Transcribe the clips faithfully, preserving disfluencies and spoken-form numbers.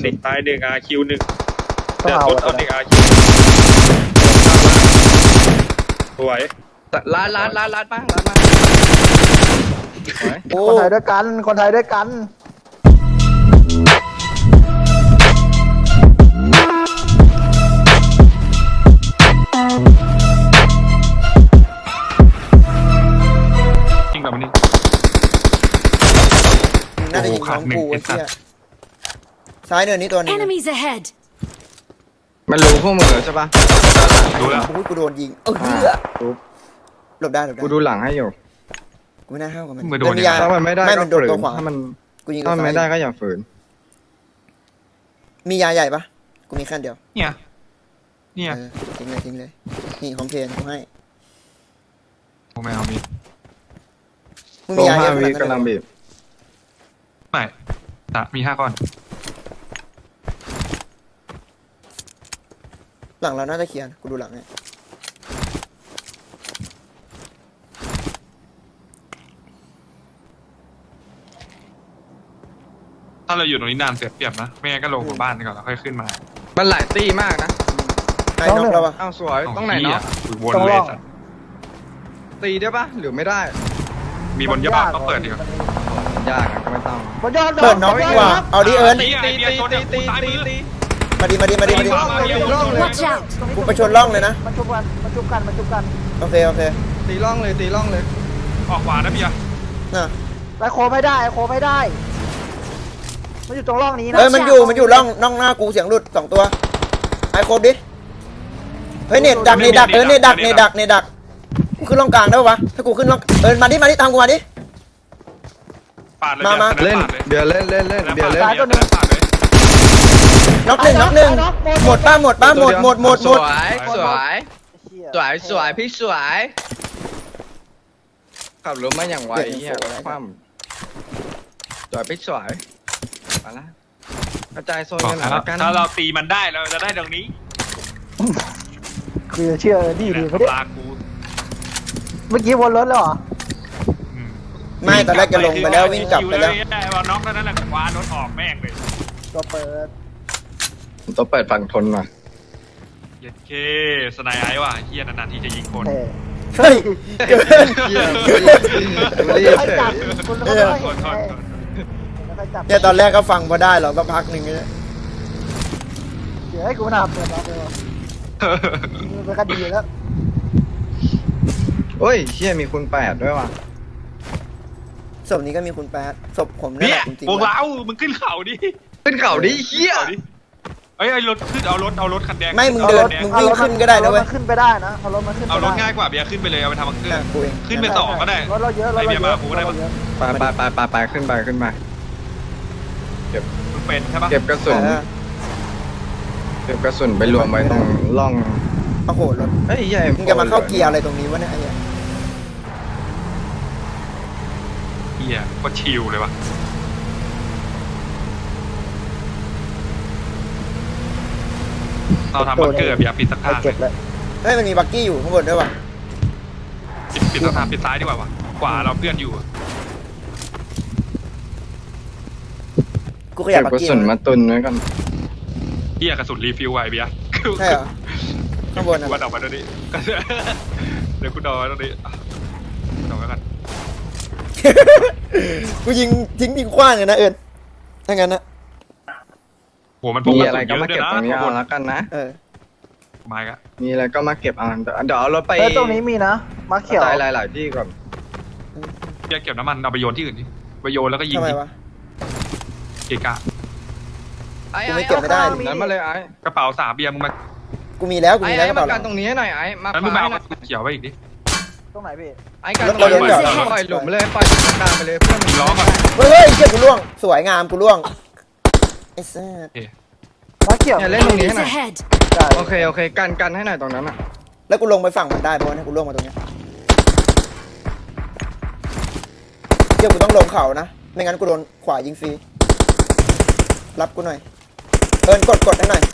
เด็กตายหนึ่งอาคิวหนึ่งต้องเดี๋ยวเอาทดเอาเด็กอาคิวสวยร้านร้านร้านร้านป้าร้านมาคนไทยด้วยกัน คนไทยด้วยกันจริงแบบนี้น่าจะยิงน้องกูไอ้เหี้ยซ้ายเนินนี้ตัวนึง Enemies ahead! มันรู้พวกมึงเหรอใช่ปะดูแล้วกูกูโดนยิงเออรู้หลบได้หลบได้กูดูหลังให้อยู่กูไม่น่าห้าวกับมันมือโดนมีเนี่ยยาถ้ามันไม่ได้ไม่ก็มันโดนฝืนตัวขวาถ้ามันกูยิงถ้ามันไม่ได้ก็อย่าฝืนมียาใหญ่ปะกูมีขั้นเดียวเนี่ยเนี่ยเออทิ้งเลยทิ้งเลยนี่ของเพลนกูให้ผมไม่เอามีมึงลมีงยาเยห้าอะขวินาดนั้นกำลังเลยบีบไม่แต่มีห้าก้อนหลังเราน่าจะเคลียร์กูดูหลังเนี่ยถ้าเราอยู่ตรงนี้นานเสียเปรียบนะไม่งั้นก็ลงมาบ้านก่อนแล้วค่อยขึ้นมามันหลายตีมากนะไอ้น้องเราปะอ้าวสวยตรงไหนเนาะวนเลยสัตว์ตีได้ปะหรือไม่ได้มีบนยาบ้าก็เปิดดีกว่ายากอะก็ไม่ต้องบนยอดเปิดน้องดีกว่าเอาดิเอิญตีตีตีตีตีตีตีมาดิมาดิมาดิมาดิ Watch out! กูไปชนร่องเลยนะมันจุบกัน มันจุบกัน มันจุบกันโอเคโอเคตีร่องเลยตีร่องเลยออกขวานะพี่อะน่ะไอโคไม่ได้ ไอโคไม่ได้ มันอยู่ตรงร่องนี้นะเอ้ยมันอยู่มันอยู่ร่องร่องหน้ากูเสียงหลุดสองตัวไอ้ครบดิเฮ้ยเน็ตดักเน็ตดักเออเน็ตดักเน็ตดักเน็ตดักกูขึ้นร่องกลางได้ปะวะถ้ากูขึ้นร่องเออมาดิมาดิตามกูมาดิปาดเลยมามาเล่นเดี๋ยวเล่นเล่นเล่นเดี๋ยวเล่นปาดเลยน็อกหนึ่งน็อกหนึ่งหมดป้าหมดป้าหมดหมดหมดหมดสวยสวยเชี่ยสวยสวยพี่สวยขับรถมาอย่างไวเฮียคว่ำสวยพี่สวยมาละกระจายโซนบอกกันหน่อยแล้วละกันถ้าเราตีมันได้เราจะได้ตรงนี้คือเชื่อดีดีไม่ได้ปลากูเมื่อกี้วนรถแล้วเหรอไม่ตอนแรกจะลงไปแล้ววิ่งกลับไปแล้วได้ว่าน็อกแล้วนั่นแหละคว้ารถออกแม่งเลยตัวเปิดต้องเปิดฝั่งทนว่ะเย็ดเคสไนไอว่ะเฮียนานๆทีจะยิงคนเท่เฮ้ยเกินเฮียไม่เรียกค่อยเฉจับยคุณไม่ค่อยโทษโทษโทษไม่ค่อยจับเนี่ยตอนแรกก็ฟังพอได้หรอกสักพักหนึ่งเนี่ยเดี๋ยวให้กูหนาเปิดมาเลยมันก็ดีแล้วโอ้ยเฮียมีคุณแปดด้วยว่ะศพนี้ก็มีคุณแป๊ดศพผมนั่นเนี่แหยละจริงพวกเรามึงขึ้นเขาดิขึ้นเขาดิเฮียขึ้นเขาดิเอ้ยไอ้รถขึ้นเอารถเอารถคันแดงๆไม่มึงเดินมึงวิ่งขึ้นก็ได้นะเว้ยเอารถมันขึ้นไปได้นะเอารถมันขึ้นเอารถไปได้ง่ายกว่าเบียร์ขึ้นไปเลยเอาไปทำบังเกออ่ะร์กูเองขึ้นไปสองก็ได้รถเราเยอะรถเราเยไอเบียร์มาอะกูได้ปะไปไปไปไปไปขึ้นไปขึ้นไปมึงเป็นใช่ปะเก็บกระสุนเออเก็บกระสุนไปรวมไว้ตรงร่องโอ้โหรถเฮ้ยใหญ่มึงจะมาเข้าเกียร์อะไรตรงนี้วะเนี่ยไอ้เหี้ยเฮียก็ชิลเลยวะเราทำบังเกอร์เบียร์ปิดสักเอาทางเก็บเลยเฮ้ยมันมีบักกี้อยู่ข้างบนด้วยวะปิดปิดสักทางปิดซ้ายดีกว่าวะขวาเราเพื่อนอยู่กูขยัเก็บบ บักกระกี้สุนมาตุนไว้ก่อนเฮียกระสุนรีฟิลไว้เบียร์ใช่เหรอข้างบนกูอ่ะว่าดอกมาตรงนี้ เดี๋ยวกูดอกมาตรงนี้อ่ะดอกไว้กันกูยิงทิ้งทิ้งขว้างเลยนะเอิญถ้างั้นนะโหมันพกมีกระอะไรสุนเยก็อะมาด้วยเก็บนะตรงนี้ข้างบเอานแล้วกันนะเออไม่กะมีอะไรก็มาเก็บเอาเดี๋ยวเอารถไปเออตรงนี้มีนะมาเขียวกระจายหลายๆที่ก่อนเบียร์เก็บน้ำมันเอาไปโยนที่อื่นดิไปโยนแล้วก็ยิงทำไมทิ้งวะเกะกะไอ้กูไม่เก็บไม่ได้ตรงนั้นมาเลยไอ้กระเป๋าสามเบียร์มึงมากูมีแล้วกูไอ้มีแล้วไอ้กระมาเป๋าหกัลันงตรงนี้ให้หน่อยไอ้มาแล้วมึงมาให้เอาหน่กอยระสุนเขียวไว้อีกดิตรงไหนพี่ไอ้กันตรงนี้ปล่อยหลุมเลยปล่อยหลุมกลางไปเลยเพื่อนล้อก่อนเฮ้ยเฮ้ยเชี่ยกูล่วงสวยงามกูล่วงไอ้แซ่บมาเขียวเนี่ยเล่นตรงนี้ให้ Enemies หน่อย ahead! ได้โอเคโอเคกันกันให้หน่อยตรงนั้นอ่ะแล้วกูลงไปฝั่งมันได้เพราะว่าเนี่ยกูล่วงมาตรงเนี้ยเชี่ยกูต้องลงเขานะไม่งั้นกูโดนขวายิงฟรีรับกูหน่อยเอิญกดกดให้หน่อย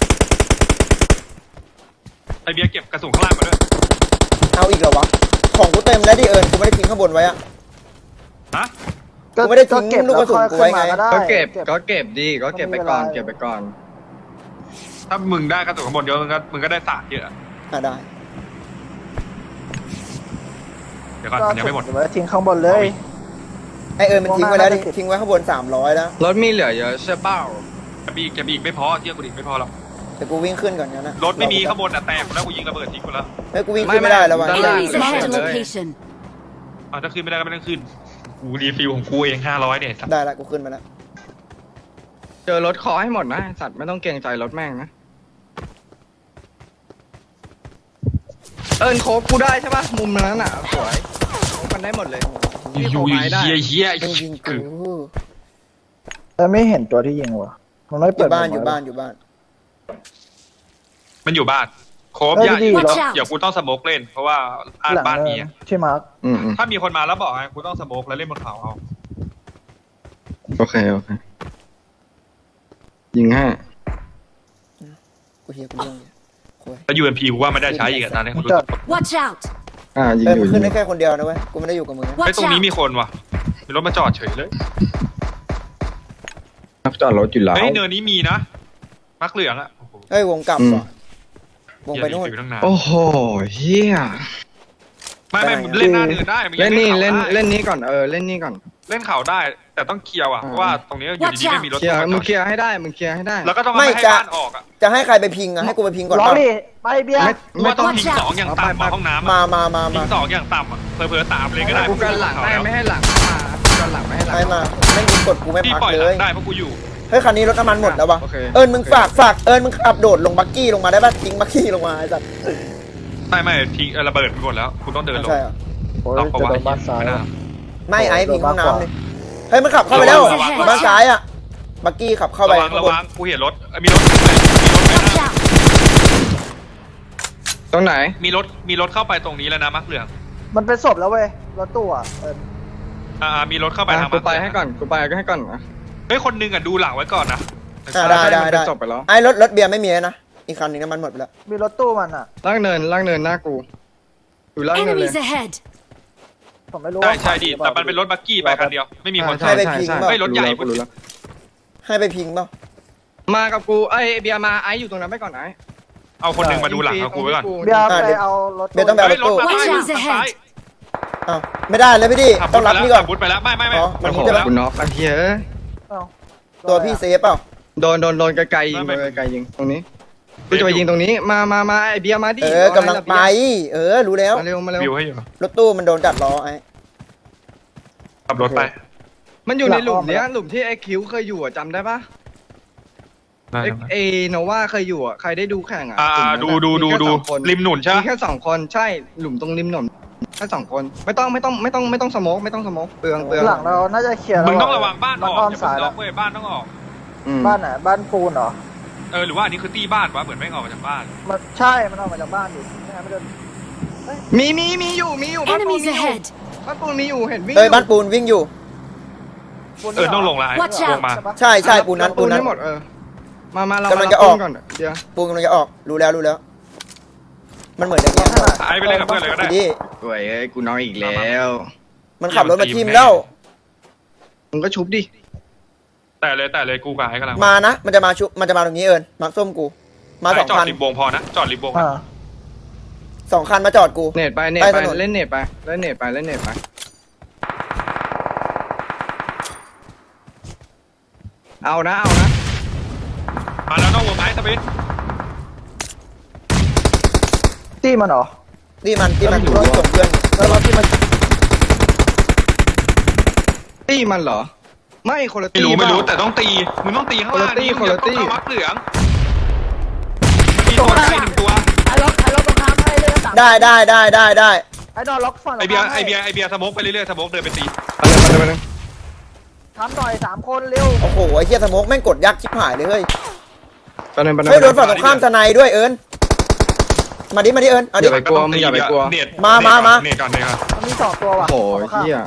ไอเบียร์เก็บกระสุนข้างล่างมาด้วยเอาอีกเหรอวะของกูเต็มแล้วดิเอิญกูไม่ได้ทิ้งข้างบนไว้อะฮะกูไม่ได้ทิ้งเก็บลูกกระสุนกูไว้ไงแล้วก็ค่อยเก็บขึ้นมาก็เก็บดีก็เก็บไปก่อนไม่เป็นไรเก็บไปก่อนถ้ามึงได้กระสุนข้างบนเยอะมึงก็มึงก็ได้สารเยอะอ่ะได้เดี๋ยวก่อนก็มันยังไม่หมดเก็บไว้ทิ้งข้างบนเลยไอเอิญมันทิ้งไว้แล้วดิวงหน้าน่าจะติดทิ้งไว้ข้างบนสามร้อยแล้วรถมีเหลือเยอะใช่เปล่าจะบีกจะบีกไม่พอเที่ยวกูดิไม่พอหรอกแต่กูวิ่งขึ้นก่อนงั้นนะรถไม่มีข้างบนอ่ะแตกหมดแล้วกูยิงระเบิดทิ้งหมดแล้วเฮ้ยกูวิ่งขึ้นไม่ได้แล้ววะ Enemies ahead of location. อ่ะถ้าขึ้นไม่ได้ก็ไม่ต้องขึ้นกูรีฟิลของกูเองห้าร้อยเนี่ยสัตว์ได้ละกูขึ้นมาแล้วเจอรถขอให้หมดนะสัตว์ไม่ต้องเกรงใจรถแม่งนะเอิญโคบกูได้ใช่ปะมุมนั้นอ่ะสวยโคบมันได้หมดเลยอยู่อยู่ไม้ได้เฮียเฮียมึงยิงกูแต่ไม่เห็นตัวที่ยิงวะมันไม่อเปิดยู่บ้านมุมอยู่ไว้บ้านอยู่บ้านมันอยู่บ้านโคบเฮ้ยอย่าดีอย่า Watch out เดี๋ยวกูต้องสโมกเล่น เพราะว่าอ่านหลังบ้านเนินี้นอะที่มาร์คอืมอืมถ้ามีคนมาแล้วบอกไงกูต้องสโมกแล้วเล่นบนเขาเอาโอเคโอเคยิงให้กูเฮียกูเรื่องเนี่ยโอ้ยแล้วยูเอ็มพีกูว่าไม่ได้ใช้อีกอะตอนนี้มักูนรู้จอสึดก Watch out! อ่ายิงเอ้ยอมึยู่งยิขึ้งนอได้ยู่แค่คนเดียวนะเว้ยกูไม่ได้อยู่กับมึงนะไอ้ Watch ตรงนี้ out! มีคนว่ะมีรถมาจอดเฉยเลยนักจอดรถอยู่แล้วเฮ้ยเนินนี้มีนะมักเหลืองอะโอ้โหเฮ้ยวงกลับอืมว่ะวงไปนู่นเหี้ยอยู่ตั้งนานโอ้โหเฮียไม่ไม่ไปไหนอะเล่นหน้าเนินได้มึงเล่นนี่ข่าเล่นได้เล่นนี้ก่อนเออเล่นนี้ก่อนเล่นเข่าได้ แต่ต้องเคลียร์ว่ะอ่าเพราะว่าตรงนี้อยู่ดีๆไม่มีรถเคลียร์มาจมึอง ดเคลียร์ให้ได้มึงเคลียร์ให้ได้แล้วก็ต้องเอาไม่ไม่ให้จะบ้านออกอ่ะจะให้ใครไปพิงอะให้กูไปพิงก่อนร้องป่ะดิไปเบียร์ไม่กูว่าต้อง Watch ทิ้ง out สองอย่างต่ำไปอะไปห้องน้ำมาอะมามาทิ้มางสองอย่างต่ำอะเผลอๆตามเลยก็ได้กูกันหลังได้ไม่ให้หลังมากูกันหลังไม่ให้หลังไปมาแม่งยิงกดกูไม่พี่พักปล่อยหเลลัยงได้เพราะกูอยู่เฮ้ยคันนี้รถน้ำมันหมดแล้ววะโอเคเอิญมึงฝากฝากเอิญมึงขับโดดลงบักกี้ลงมาได้ป่ะทิ้งบักกี้ลงมาไอ้สัสไม่ไม่ทิ้งเออระเบิดไปหมดแล้วกูต้องเดินลงใช่เหรอโอ้ยต้องเพราะจะว่าโดนบ้านซ้ายไม่น่าไม่ไอ้พิงห้องโดนมากกว่าน้ำเลยเฮ้ยมันขับเข้าไปแล้วระวังบ้านซ้ายอะบักกี้ขับเข้าไประวังข้างระบนวังกูเห็นรถเอ้ยมีรถมีรถไป Watch นะ out! ตรงไหนมีรถมีรถเข้าไปตรงนี้แล้วนะมักเหลืองมันเป็นศพแล้วเว้ยรถตู้อ่ะเอออ่ามีรถเข้าไปอ่ะทางกูมักไปเหลืองให้ก่อนกูไปก็ให้ก่อนนะเฮ้ยคนหนึงอ่ะดูหลังไว้ก่อนนะอ่ะได้ได้มันได้จบไปแล้วไอ้รถรถเบียร์ไม่มีแล้วนะอีกคันหนึงน้ำมันหมดไปแล้วมีรถตู้มันอ่ะล่างเนินล่างเนินหน้ากูอยู่ล่างเนินเลย Enemies ahead! ผมไม่รู้ใช่ว่าใช่ดิแต่มันเป็นรถบักกี้ไปคันเดียวไม่มีคนให้ขับไปพิงเปล่าเฮ้ยรถใหญ่กูรู้แล้วให้ไปพิงเปล่ามากับกูไอ้เบียร์มาไอ้อยู่ตรงนั้นไปก่อนไอ้เอาคนหนึงมาดูหลังเอากูไว้ก่อนเบียร์อ่ะไปเดี๋ยวเอารถเบียร์ต้องไปเฮ้ยรถมา Watch ซ้าย out ทางซ้ายอ้าวไม่ได้เลยพี่ดิขับต้องรับนี่ก่อนบุดไปแล้วไม่ไม่ไม่อ๋อมันโอ้โหจะแล้วกูน็อกไอ้เหี้ยเอ้าตัวพี่เซฟเปล่าโดนโดนโดนไกลๆยิงไม่โดไม่นไกลๆยิงตรงนี้กูจะไปยิงตรงนี้มามามาไอ้เบียร์มาดิเออกำลังไป เออรู้แล้วมาเร็วมาเร็ววิวให้อยู่รถตู้มันโดนจัดล้อไอ้ขับรถไปมันอยู่ในหลุมเนี้ยหลุมที่ไอ้คิวเคยอยู่อะจำได้ปะได้ไอ้ครับไอ้โนวาเคยอยู่อะใครได้ดูแข่งอะอ่าหลุมนั้นดูอะดูดูมีแค่ดูสองคนริมหนุนใช่ไหมมีแค่สองคนใช่หลุมตรงริมหนุนแค่สองคนไม่ต้องไม่ต้องไม่ต้องไม่ต้องสโมกไม่ต้องสโมกเปลืองเปลืองหลังเราน่าจะเคลียร์มึงแล้ต้องระวังบ้านอมันอกอ้อมอย่าซ้ายเพิ่งล็แล้อวกเว้ยบ้านต้องออกอืมบ้านไหนบ้านปูนเหรอเออหรือว่าอันนี้คือตีบ้านวะเหมือนไม่งออกมาจากบ้านมันใช่มันออกมาจากบ้านอยู่ไม่งั้นไม่โดนมีมีมีอยู่มีอยู่บ้านปูน Enemies มีอยู่ ahead! บ้านปูนมีอยู่เห็นวิ่งเอ้ยอยู่บ้านปูนวิ่งอยู่ปูนเออต้องลงละ Watch ล out งมาปะใช่ใช่ปูนนั้นปูปูนนนั้นให้หมดเออมามาเรากำลังมาจะออกปูนก่อนเดี๋ยวปูนกำลังจะออกรู้แล้วรู้แล้ว มันเหมือนอย่างเงี้ยไอ้ไปเล่นกับเพื่อนเลยก็ได้พี่ดิสวยเอ้ยกูน้อยอีกแล้วมันขับรถมาทิมแล้วมึงก็ชุบดิแต่เลยแต่เลยกูกับไอ้กำลังมานะ มันจะมาชุบมันจะมาตรงนี้เอิญมาร์คส้มกู มาสองจอดคันริมวงพอนะจอดริมวงอ่าสองคันมาจอดกูเน็ตไปเน็ตใต้ไปถนนเล่นเน็ตไปเล่นเน็ตไปเล่นเน็ตไปเอานะเอานะมาแล้วนอกวงไม้สปินตี้มันเหรอนี่มันที่มันแล้วรมันอยู่ถส่งเพื่อนแล้วรถที่มันตี้มันเหรอ ไม่คนละไม่ตี้รู้ไม่รู้เปล่าแต่ต้องตีมึงต้องตีข้างล่างคนละตี้มึงอย่าคนละตี้ต้องเข้ามักเหลืองมีตัวใกล้หนึ่งตัวไอ้ล็อกไอ้ล็อกตรงน้ำให้เลยนะสามได้ได้ได้ได้ได้ไอ้นอนล็อกฝั่งไอเบียร์ตงข้ามไอให้เบียร์ไอเบียร์สโมกไปเรื่อยๆสโมกเดินไปตีไปเลยไปเลยไปเลยทำหน่อยสามคนเร็วโอ้โหไอ้เหี้ยสโมกแม่งกดยักษ์ชิบหายเลยเฮ้ยไปเลยไปเลยเฮ้ยโดนฝั่งตรงข้ามสไนด์ด้วยเอิญมาดิมาดิเอิญเอาดิอย่าไปกลัวมึงอย่าไปกลัวเน็ตมามามาเน็ตก่อนเน็ตก่อนมันมีสองตัวว่ะโอ้โหฝั่งตรงข้ามเฮีย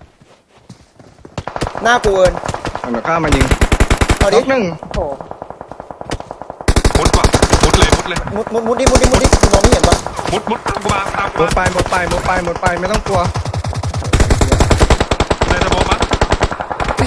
หน้ากูเอิญมันข้ามมายิงเอาน็ดิอกหนึ่งโอ้โหมุดว่ะมุดเลยมุดเลยมุดมุดมุดดิมุดดิมุดดิกูมองไม่เห็นปะมุดมุดตามกูมาตามกูหมดมาไปหมดไปหมดไปหมดไปไม่ต้องกลัวในสโมกมั้ง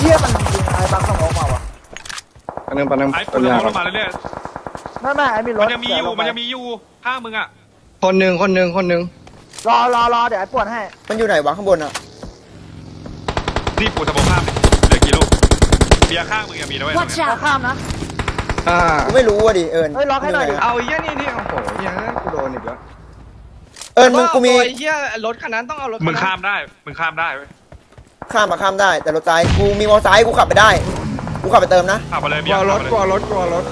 เหี้ยมันยิงไอ้บังเข้ามองมาวะปันนึงปันนึงไอ้ปัปุ่นนยาลงมาเรื่อยไม่ไม่ไอ้มีๆรมัถนยังมีอยู่มันยังมีอยู่ข้างมึงอ่ะคนหนึ่งคนหนึ่งคนหนึ่งรอรอรอเดี๋ยวไอ้ปวดให้มันอยู่ไหนวะข้างบนอ่ะนี่ปูสมองข้ามดิเหลือกี่ลูกเบียร์ข้างมึงยังมีนะเว้ยตรง Watch เนี้ยจะ out! ข้ามนะอ่ากูไม่รู้อ่ะดิเอิญเฮ้ยล็อกให้หน่อยดิเอาไอ้เหี้ยนี่นี่โอ้โหเหี้ยกูโดนอีกแล้วเอิญมึงกูมีไอ้เหี้ยรถคันนั้นต้องเอารถมึงข้ามได้มึงข้ามได้เว้ยข้ามมาข้ามได้ แต่รถซ้ายกูมีมอเตอร์ไซค์กูขับไปได้ กูขับไปเติมนะขับไปเลยกเบีลัยวร์รขับถไปกลัวเลยรถกลัวรถ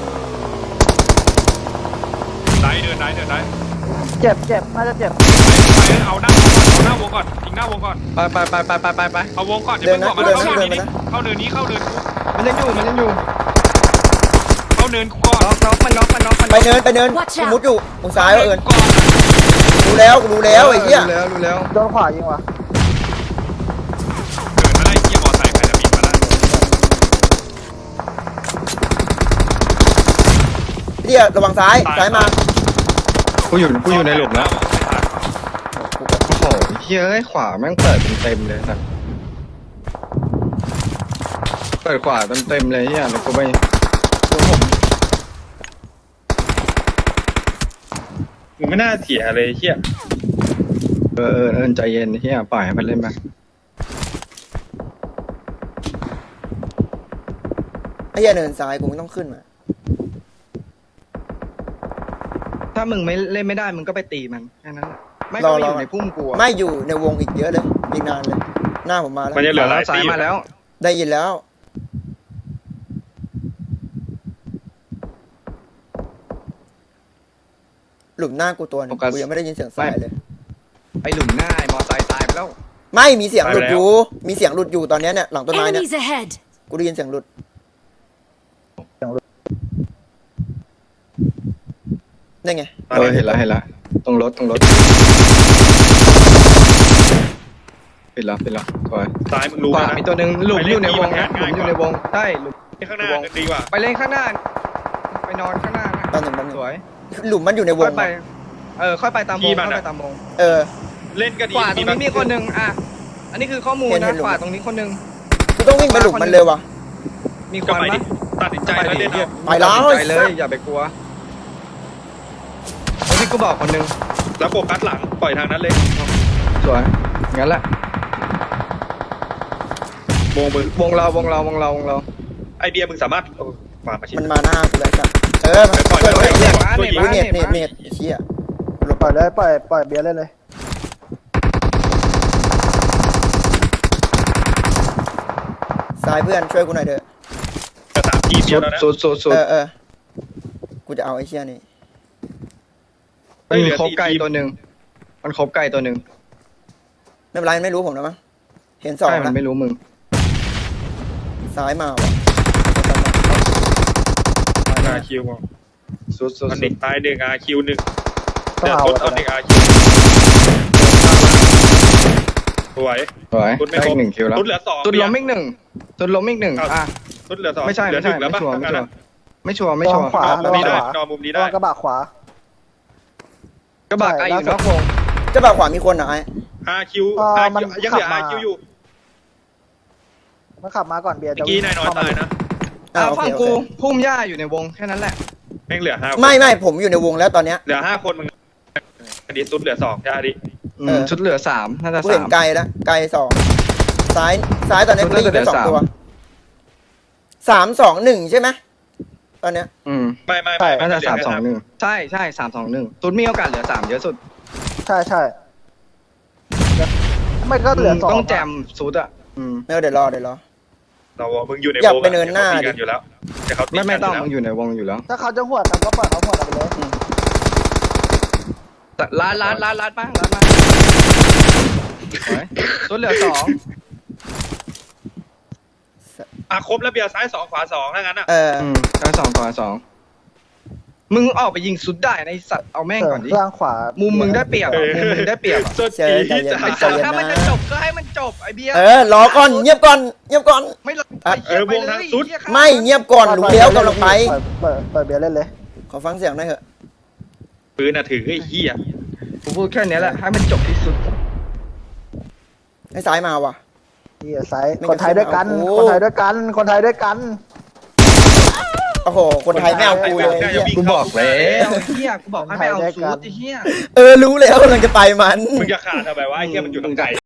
ได้เดินได้เดินได้เจ็บเจ็บน่าจะเจ็บไปเอาหน้าวงก่อนเอาหน้าวงก่อนทิ้งหน้าวงก่อนไปไปไปไปไปไปไปเอาวงก่อนเดี๋ยวมึงบอกมันเข้าเนินนี้เข้าเนินนี้เข้าเนินกูมันยังอยู่มันยังอยู่เข้าเนินกูก่อนน็อกน็อกมันน็อกมันน็อกมันไปเนินไปเนิน Watch กู out มุดอยู่ตรงซ้ายวะเอิญก่อนรู้แล้วกูรู้แล้วไอ้เหี้ยรู้แล้วรู้แล้วโดนขวายิงวะเดินมาได้เกียร์มอไซค์ใครจะบินมาได้เหี้ยระวังซ้ายซ้ายมากูอยู่กูอยู่ในหลุมแล้วโอ้โหเฮ้ยเอ้ยขวาแม่งเปิดเต็มๆเลยสัสเปิดขวาเต็มๆเลยเฮียแล้วกูไปมึงไม่น่าเถียเลยเฮียเออเออเออใจเย็นเฮียปล่อยให้มันเล่นไปไอ้เหี้ยเนินซ้ายกูไม่ต้องขึ้นมาถ้ามึงไม่เล่นไม่ได้มึงก็ไปตีมันแค่นั้นแหละไม่ก็ไม่อยู่ในพุ่มกูอะไม่อยู่ในวงอีกเยอะเลยอีกนานเลย หน้าผมมาแล้วมันจะเหลือหลายสาตียมาแล้วได้ยินแล้ว หลุมหน้ากูตัวหนึงกูยังไม่ได้ยินเสียงสายเลยไปหลุมหน้าไอ้มอไซค์ตายไปแล้วไม่มีเสียงหลุดอยู่ มีเสียงหลุดอยู่ตอนเนี้ยเนี่ยหลังต้นไม้เนี่ย Enemies ahead! กูได้ยินเสียงหลุดได้ไงเออเห็นแล้วเห็นแล้วตรงรถตรงรถปิดแล้วปิดแล้วถอยซ้ายมึงรู้ขวานะมีตัวหนึ่งหลุมอยู่ในวงนะหลุมอยู่ในวงใช่หลุมข้างหน้ากันดีกว่าไปเล่นข้างหน้า ไปนอนข้างหน้านะตอนหนึ่งตอนหนึ่งสวยหลุมมันอยู่ในวค่อง ยไป เออค่อยไปตามวงค่อยไปตามวงเออเล่นก็ดีขวาตรงนี้มีคนหนึ่งอ่ะอันนี้คือข้อมูลเห็นนะเห็นหลุมขวาตรงนี้คนหนึ่งกูต้องวิ่งไปหลุมมันเลยวะมีคก็นไปไหมดิตัดสินใจแล้วเล่นเอาไปแล้วตัดสินใจเลยอย่าไปกลัวแล้วที่กูบอกคนหนึ่งแล้วโฟกัสหลังปล่อยทางนั้นเลยสวยงั้นแหละวงมึงวงเราวงเราวงเราวงเราไอเบียร์มึงสามารถมามาชิมันมาหน้ากูเลยจ้ะเออมันปล่อยเปิดปล่ไว้อยเนี่ยปล่อยกูเน็ตเน็ตเน็ตไอ้เชี่ยปล่อยเลยปล่อยปล่อยเบียร์เล่นเลยซ้ายเพื่อนช่วยกูหน่อยเถอะจะสามทีเดีสุยวดแล้วนะสุดสุดสุดเออเออกูจะเอาไอ้เชี่ยนี่มันมีครบไก่ตัวหนึ่งมันครบไก่ตัวหนึ่งไม่เป็นไรไม่รู้ผมนะมั้งเห็นสองใช่มันนะไม่รู้มึงซ้ายมาว่ะอาคิวสุดสุดมันสุเด็ดกตายหนึ่งอาคิวหนึ่งต้องเดี๋ยวเอาตุ๊ดอะเอาเด็กอาคิวสวยสวยตุ๊ดไม่ได้ครอีบกหนึ่งคิวแล้วตุ๊ดเหลือสองตุดล้มอีกหนึ่งตุดล้มอีกหนึ่งอ่ะตุ๊ดเหลือสองไม่ใช่เหลืไม่อหใช่นึ่งแล้วไม่ป่ะชัวร์ทางไม่นั้นชัวร์ไม่ชัวร์ไม่ชัวร์ไม่ชัวร์ขวานอนมุมนี้ได้นอนมุมนี้ระได้วังกระบะขวากระบะไก่อยู่นอกวงเจะบ่าวขวามีคนเหรอไอ้อาคิวอ่าอามันคิวยังเหลือขับมาอาคิวอยู่มันขับมาก่อนเบียร์เมื่จะอกี้นายน้อยตายนะอ่าอ่ะโอฝั่เคงโอกูเคพุ่มหญ้าอยู่ในวงแค่นั้นแหละแม่งเหลือห้าไม่ไม่ผมอยู่ในวงแล้วตอนเนี้ยเหลือห้าคนมึงอันนี้ตุ๊ดเหลือสองใช่ดิอืมเออชุดเหลือสามน่าจะกูเห็สาน มไกลแล้วไกลสองซ้ายซ้ายตอนนี้กูได้ยินแค่สองตัวสามสองหนึ่งใช่ไหมตอนเนี้ยอืมไม่ไม่ไม่น่าจะสามสองหนึ่งใช่ใช่สามสองหนึ่งตุดมีโอกาสเหลือสามเยอะสุดใช่ใช่ไม่ก็เหลือสองต้องแจมสุดอ่ะอืมไม่เอาเดี๋ยวรอเดี๋ยวรอเรามึงอยู่ในอยากไปเนินหน้าดิดิอยู่แล้วแต่เขาตีไม่ไม่กันต้องยู่มึงอยู่ในวงอยู่แล้วถ้าเขาจะหวดกันก็ปล่อยเขาหวดกันไปเลยแต่ล้านล้านล้านล้านมาล้านมาสวยตุดเหลือสองอ่ะครบแล้วเบียร์ซ้ายสองขวาสองถ้างั้นอ่ะเอออืมล้านสองต่อสองมึงออกไปยิงสุดได้ในสัตว์เอาแม่งก่อนดิล่างขวามุมมึงได้เปรียบอะมุมมึงได้เปรียบอะสุดเจอใจที่เย็นจะใจเย็นถ้ามันจะนะจบก็ให้มันจบไอเบียร์เออรอก่อนเงียบก่อนเงียบก่อนไม่รออ่ะไหี้ยไปเลยไม่เงียบก่อนรู้แล้วกำลังไปปล่อยปล่อยเบียร์เล่นเลยขอฟังเสียงหน่อยเถอะปืนอ่ะถือไอ้เหี้ยกูพูดแค่เนี้ยแหละให้มันจบที่สุดให้ซ้ายมาว่ะเฮียไซส์คนไทยด้วยกันคนไทยด้วยกันคนไทยด้วยกันโอ้โหคนไทยไม่เอากูเลยน่าจะวิ่งกูเข้าบอกแล้วเฮียกูบอกให้ไม่เอาซูดไอ้เฮียเออรู้แล้วกำลังจะไปมันมึงจะขาดทำไมวะไอ้เหี้ยมันอยู่ตรงใจ